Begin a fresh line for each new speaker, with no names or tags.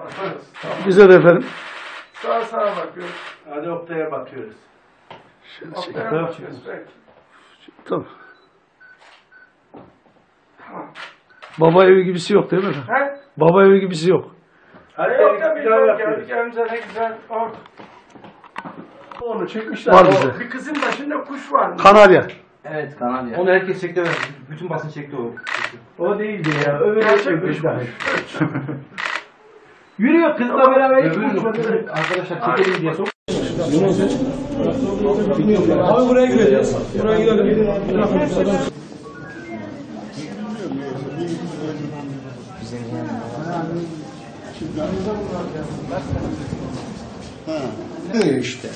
Yaparız. Tamam.
Bize de efendim.
Sağa bakıyoruz.
Hadi Oktay'a bakıyoruz.
Oktay'a bakıyoruz. Peki.
Tamam. Baba evi gibisi yok değil mi efendim?
He?
Baba evi gibisi yok.
Hadi
Yok da bir
güzel
geldik.
bakıyoruz.
Elimize ne güzel. Oh.
Onu çekmişler.
Var bize.
Bir kızın başında kuş var.
Kanarya.
Evet Kanarya. Onu herkes çekti. Bütün basın çekti o.
O değildi ya. Öbürü
Gerçek
çekmiş
kuş.
daha. Yürüyor kızla beraber hiç
Öbürü
konuşmadı.
arkadaşlar çekelim diye sok.
Abi buraya gireceğiz. Buraya gidelim.
İşte.